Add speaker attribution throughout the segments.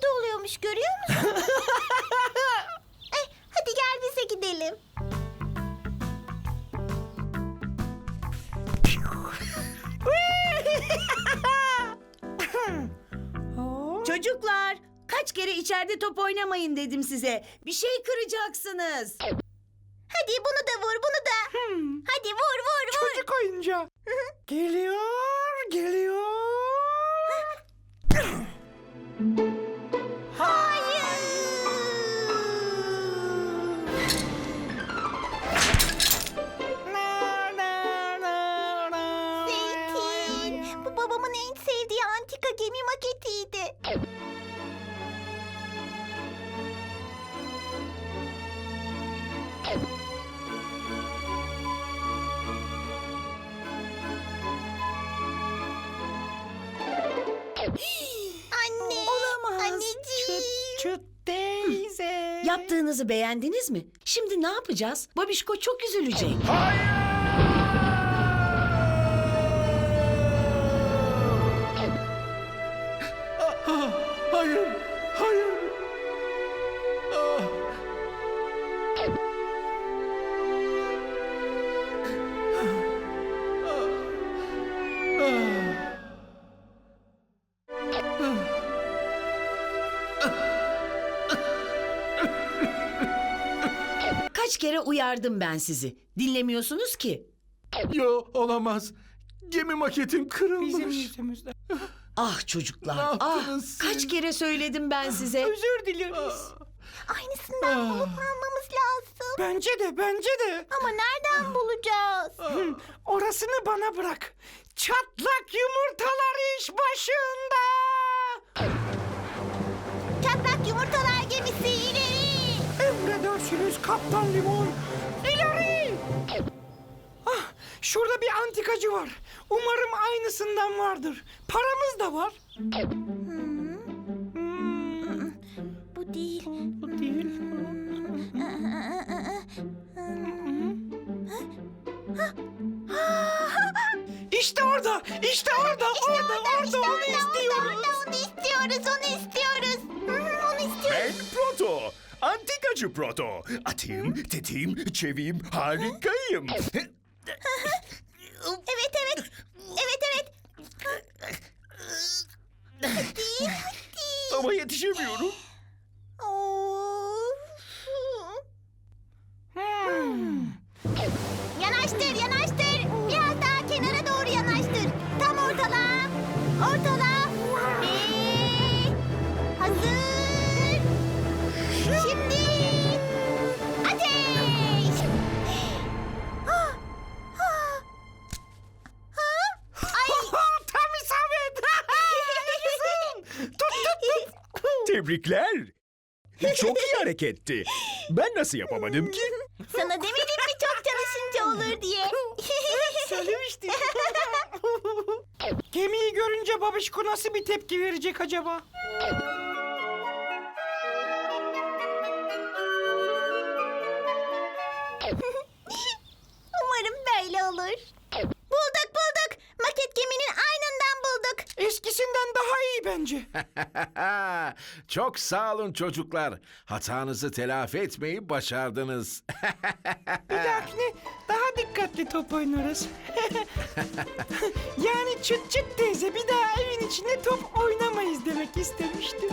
Speaker 1: burada oluyormuş, görüyor musun? Hadi gel bize gidelim.
Speaker 2: Çocuklar, kaç kere içeride top oynamayın dedim size. Bir şey kıracaksınız.
Speaker 1: Hadi bunu da vur, bunu da. Hadi vur, vur, vur.
Speaker 3: Çocuk oyuncağı. Geliyor, geliyor.
Speaker 1: Zeytin, bu babamın en sevdiği antika gemi maketiydi. Anne,
Speaker 2: Olamaz.
Speaker 1: anneciğim.
Speaker 3: Çıt teyze.
Speaker 2: Yaptığınızı beğendiniz mi? Şimdi ne yapacağız? Babişko çok üzülecek.
Speaker 3: Hayır, hayır. Ah.
Speaker 2: Kaç kere uyardım ben sizi. Dinlemiyorsunuz ki.
Speaker 4: Yo, olamaz. Gemi maketim kırılmış.
Speaker 3: Bizim yüzümüzden.
Speaker 2: Ah çocuklar,
Speaker 4: Ne
Speaker 2: ah.
Speaker 4: yaptınız siz?
Speaker 2: Kaç kere söyledim ben size.
Speaker 3: Özür dileriz.
Speaker 1: Aynısından bulup almamız lazım.
Speaker 3: Bence de, bence de.
Speaker 1: Ama nereden bulacağız?
Speaker 3: Orasını bana bırak. Çatlak yumurtalar iş başında.
Speaker 1: Çatlak yumurtalar gemisi ileri.
Speaker 3: Emredersiniz Kaptan Limon. İleri! Ah, şurada bir antikacı var. Umarım aynısından vardır. Paramız da var.
Speaker 1: Bu değil.
Speaker 3: Bu değil. İşte orada, işte orada, orada, onu istiyoruz.
Speaker 1: Onu istiyoruz, onu istiyoruz. Onu istiyoruz.
Speaker 4: Ben Proto. Antikacı Proto. Atayım, tetiğim, çeviyim, harikayım.
Speaker 1: Evet, evet. Evet, evet. Hadi, hadi.
Speaker 4: Ama yetişemiyorum.
Speaker 1: Of. Yanaştır, yanaştır. Biraz daha kenara doğru yanaştır. Tam ortala. Ortala. Ve hazır. Şimdi ateş. Ah, ah. Ah. Ay.
Speaker 3: Tam isabet.
Speaker 4: Tebrikler. Çok iyi hareketti. Ben nasıl yapamadım ki?
Speaker 1: Sana demedim mi çok çalışınca olur diye.
Speaker 3: Söylemiştim. Gemiyi görünce babişko nasıl bir tepki verecek acaba?
Speaker 1: Umarım böyle olur. Bulduk bulduk. Maket geminin aynından bulduk.
Speaker 3: Eskisinden daha iyi bence.
Speaker 5: Çok sağ olun çocuklar. Hatanızı telafi etmeyi başardınız.
Speaker 3: Bir dahakine daha dikkatli top oynarız. Yani çıt çıt teyze bir daha evin içinde top oynamayız demek istemiştim.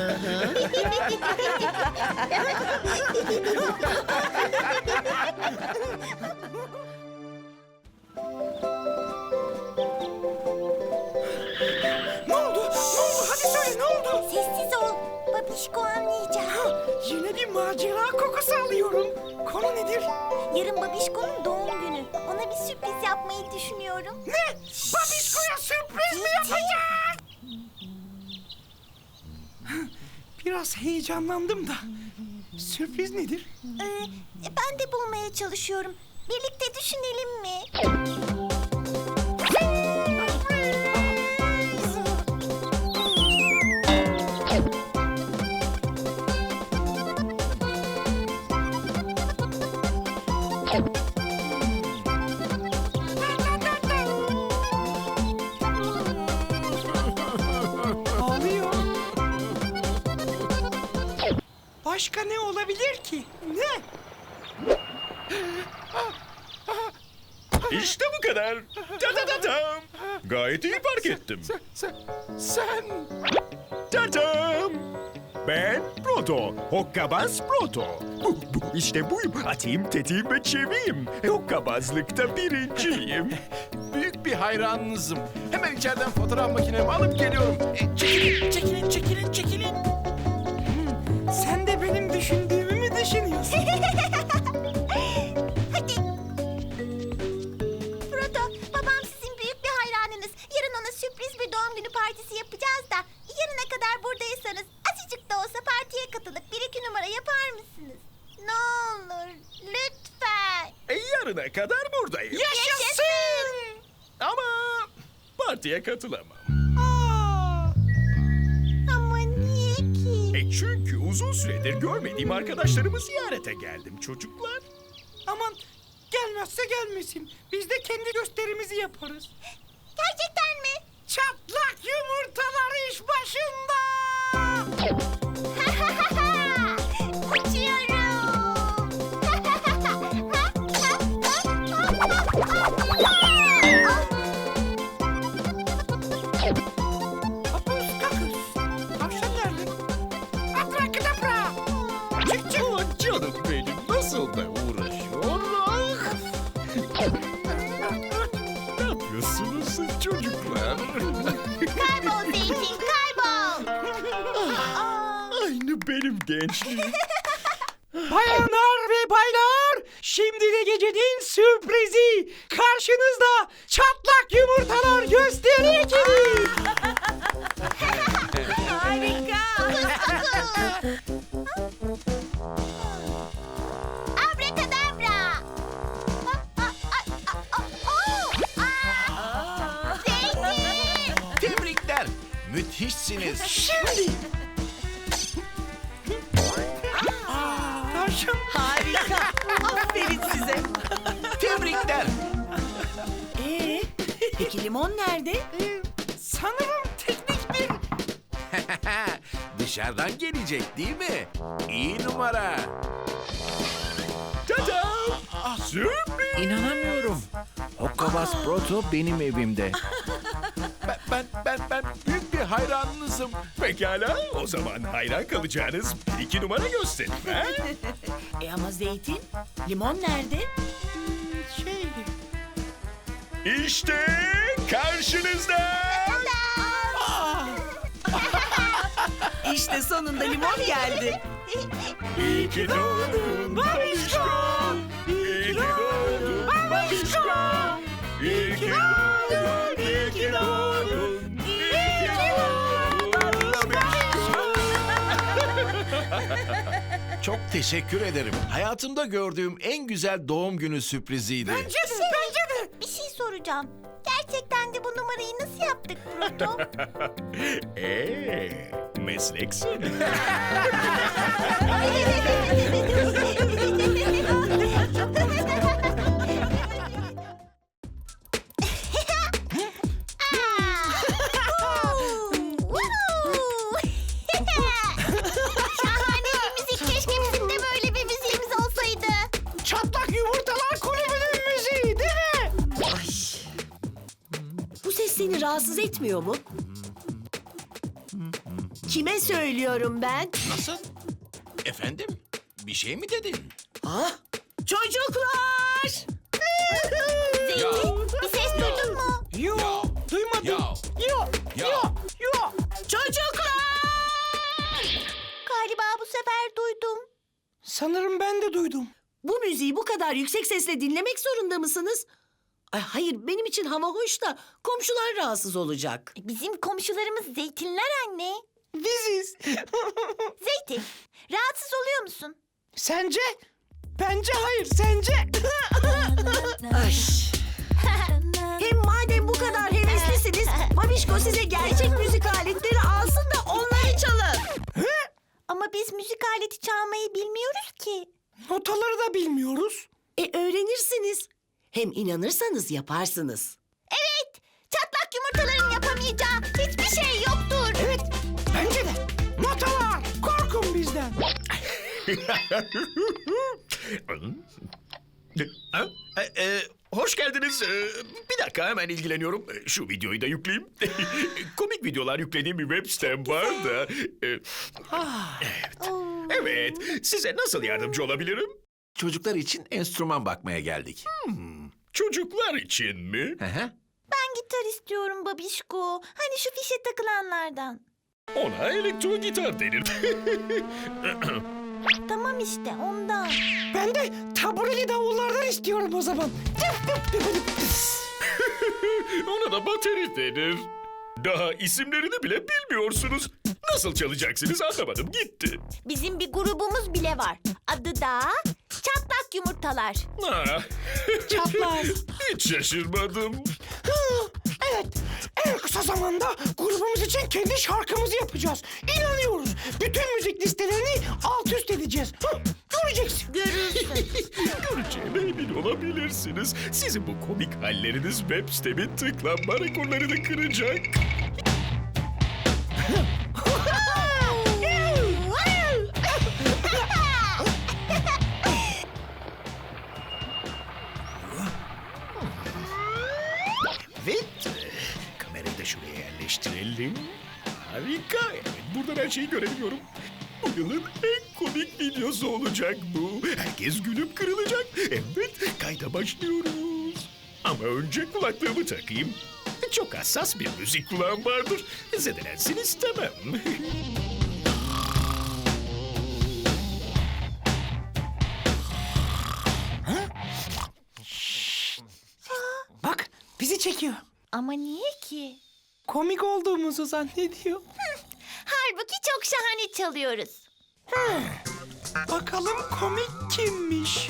Speaker 3: Ne oldu? Ne oldu? Hadi söyle ne oldu?
Speaker 1: Sessiz ol. Babişko anlayacak.
Speaker 3: Yine bir macera kokusu alıyorum. Konu nedir?
Speaker 1: Yarın Babişko'nun doğum günü. Ona bir sürpriz yapmayı düşünüyorum.
Speaker 3: Ne? Babişko'ya sürpriz mi yapacak? Biraz heyecanlandım da. Sürpriz nedir?
Speaker 1: Ben de bulmaya çalışıyorum. Birlikte düşünelim mi?
Speaker 3: Ağlıyor. Başka ne olabilir ki? Ne?
Speaker 4: İşte bu kadar. Ta-ta-ta-tam. Gayet iyi fark ettim.
Speaker 5: Sen...
Speaker 4: Ta-tam. Ben Proto. Hokkabaz Proto. İşte buyum. Atayım, tetiğim ve çeviyim. Hokkabazlıkta birinciyim.
Speaker 5: Büyük bir hayranınızım. Hemen içeriden fotoğraf makinemi alıp geliyorum. Çekilin.
Speaker 3: Sen de benim düşündüğümü mü düşünüyorsun?
Speaker 1: Hadi. Proto, babam sizin büyük bir hayranınız. Yarın ona sürpriz bir doğum günü partisi yapacağız da. Yarına kadar buradaysanız azıcık da olsa partiye katılıp 1-2 numara yapar mısınız? Ne olur, lütfen.
Speaker 4: Yarına kadar buradayım.
Speaker 1: Yaşasın!
Speaker 4: Ama partiye katılamam.
Speaker 1: Ama niye ki?
Speaker 4: Çünkü uzun süredir görmediğim arkadaşlarımı ziyarete geldim çocuklar.
Speaker 3: Aman gelmezse gelmesin. Biz de kendi gösterimizi yaparız.
Speaker 1: Gerçekten mi?
Speaker 3: Çatlak yumurtalar iş başında. Hapus kakus. Tavşan nerede? Abrakadabra. Çık çık.
Speaker 4: Aman canım benim nasıl da uğraşıyor. Ne yapıyorsunuz çocuklar?
Speaker 1: Kaybol Zeytin, kaybol.
Speaker 4: Aynı benim gençliğim.
Speaker 3: Bayanlar ve baylar, şimdi de gecenin sürprizi. Karşınızda çatlak yumurtalar gösteri ekibi.
Speaker 2: Harika.
Speaker 1: Abrakadabra. Zeytin.
Speaker 5: Tebrikler. Müthişsiniz.
Speaker 3: Şimdi. Tavşan.
Speaker 2: Harika. Aferin size.
Speaker 5: Tebrikler.
Speaker 2: Peki limon nerede?
Speaker 3: Sanırım teknik bir...
Speaker 5: Dışarıdan gelecek değil mi? İyi numara.
Speaker 4: Ta-da! Sürpriz!
Speaker 6: İnanamıyorum. Hokkabaz Proto benim evimde.
Speaker 5: Ben büyük bir hayranınızım.
Speaker 4: Pekala, o zaman hayran kalacağınız 1-2 numara gösterin. Ha?
Speaker 2: Ama Zeytin, limon nerede?
Speaker 3: Şey...
Speaker 4: İşte karşınızda.
Speaker 2: İşte sonunda limon geldi.
Speaker 4: İyi ki doğdun babişko. İyi ki doğdun babişko. İyi ki doğdun, iyi ki doğdun. İyi ki doğdun babişko.
Speaker 5: Çok teşekkür ederim. Hayatımda gördüğüm en güzel doğum günü sürpriziydi.
Speaker 3: Bence de.
Speaker 1: Bir şey soracağım. Gerçekten de bu numarayı nasıl yaptık Proto?
Speaker 4: Mesleksin.
Speaker 1: Şahane bir müzik. Keşke bizim de böyle bir müziğimiz olsaydı.
Speaker 3: Çatlak yumurtalar kulübünün müziği değil mi?
Speaker 2: Bu ses seni rahatsız etmiyor mu? Kime söylüyorum ben?
Speaker 5: Nasıl? Efendim? Bir şey mi dedin?
Speaker 2: Ah, çocuklar!
Speaker 1: Zeytin, bir ses duydun mu?
Speaker 3: Yok, duymadım. Yok.
Speaker 2: Çocuklar!
Speaker 1: Galiba bu sefer duydum.
Speaker 3: Sanırım ben de duydum.
Speaker 2: Bu müziği bu kadar yüksek sesle dinlemek zorunda mısınız? Ay hayır, benim için hava hoş da komşular rahatsız olacak.
Speaker 1: Bizim komşularımız zeytinler anne.
Speaker 3: Biziz.
Speaker 1: Zeytin, rahatsız oluyor musun?
Speaker 3: Sence? Bence hayır, sence?
Speaker 2: Ay. Hem madem bu kadar heveslisiniz, Babişko size gerçek müzik aletleri alsın da onları çalın.
Speaker 1: Ama biz müzik aleti çalmayı bilmiyoruz ki.
Speaker 3: Notaları da bilmiyoruz.
Speaker 2: Öğrenirsiniz. Hem inanırsanız yaparsınız.
Speaker 1: Evet, çatlak yumurtaların yapamayacağı hiçbir şey yoktur.
Speaker 3: Evet, bence de. Notalar, korkun bizden.
Speaker 4: Hoş geldiniz. Bir dakika hemen ilgileniyorum. Şu videoyu da yükleyeyim. Komik videolar yüklediğim bir web sitem var da. Evet. Size nasıl yardımcı olabilirim?
Speaker 5: Çocuklar için enstrüman bakmaya geldik.
Speaker 4: Çocuklar için mi?
Speaker 5: Hı hı.
Speaker 1: Ben gitar istiyorum babişko. Hani şu fişe takılanlardan.
Speaker 4: Ona elektro gitar denir.
Speaker 1: Tamam işte ondan.
Speaker 3: Ben de tabureli davullardan istiyorum o zaman.
Speaker 4: Ona da bateri denir. Daha isimlerini bile bilmiyorsunuz. Nasıl çalacaksınız anlamadım gitti.
Speaker 1: Bizim bir grubumuz bile var. Adı da Çatlak Yumurtalar.
Speaker 4: Ah,
Speaker 3: Çapraz.
Speaker 4: hiç şaşırmadım.
Speaker 3: Evet, en kısa zamanda grubumuz için kendi şarkımızı yapacağız. İnanıyoruz. Bütün müzik listelerini alt üst edeceğiz. Göreceksin.
Speaker 1: Görürsün.
Speaker 4: Göreceğime emin olabilirsiniz. Sizin bu komik halleriniz web sitemin tıklanma rekorlarını kıracak. Evet. Kamerayı da şuraya yerleştirelim. Harika. Evet, buradan her şeyi görebiliyorum. Bu yılın en komik videosu olacak bu. Herkes gülüp kırılacak. Evet, kayda başlıyoruz. Ama önce kulaklığımı takayım. Çok hassas bir müzik kulağım vardır. Zedelensin istemem.
Speaker 3: Bak, bizi çekiyor.
Speaker 1: Ama niye ki?
Speaker 3: Komik olduğumuzu zannediyor.
Speaker 1: Halbuki çok şahane çalıyoruz.
Speaker 3: Bakalım komik kimmiş?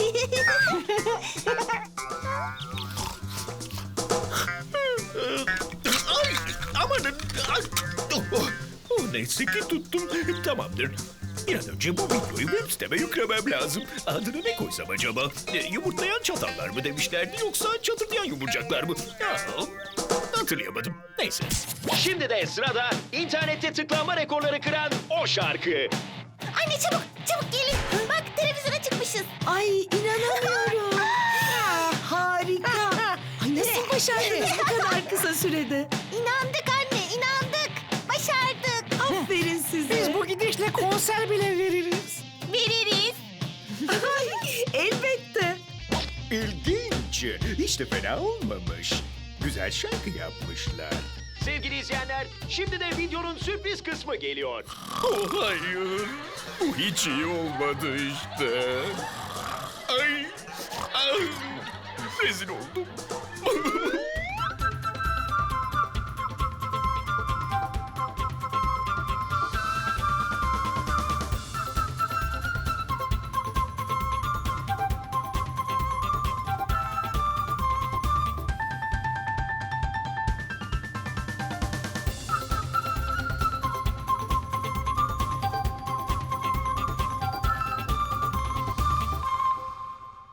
Speaker 4: Ay, amanın. Ay, neyse ki tuttum. Tamamdır. Bir an önce bu videoyu web siteme yüklemem lazım. Adını ne koysam acaba? Yumurtlayan çatallar mı demişlerdi yoksa çatırdayan yumurcaklar mı? Ya, hatırlayamadım. Neyse.
Speaker 7: Şimdi de sırada internette tıklanma rekorları kıran o şarkı.
Speaker 1: Anne çabuk çabuk gelin. Bak televizyona çıkmışız.
Speaker 2: Ay inanamıyorum. Harika. Ay nasıl başardınız bu kadar kısa sürede?
Speaker 1: İnandık anne inandık. Başardık.
Speaker 2: Aferin size.
Speaker 3: Biz bu gidişle konser bile veririz.
Speaker 1: Veririz.
Speaker 2: Elbette.
Speaker 4: İlginç. Hiç de fena olmamış. Güzel şarkı yapmışlar.
Speaker 7: Sevgili izleyenler, şimdi de videonun sürpriz kısmı geliyor.
Speaker 4: Oh hayır. Bu hiç iyi olmadı işte. Ay. Ay. Rezil oldum.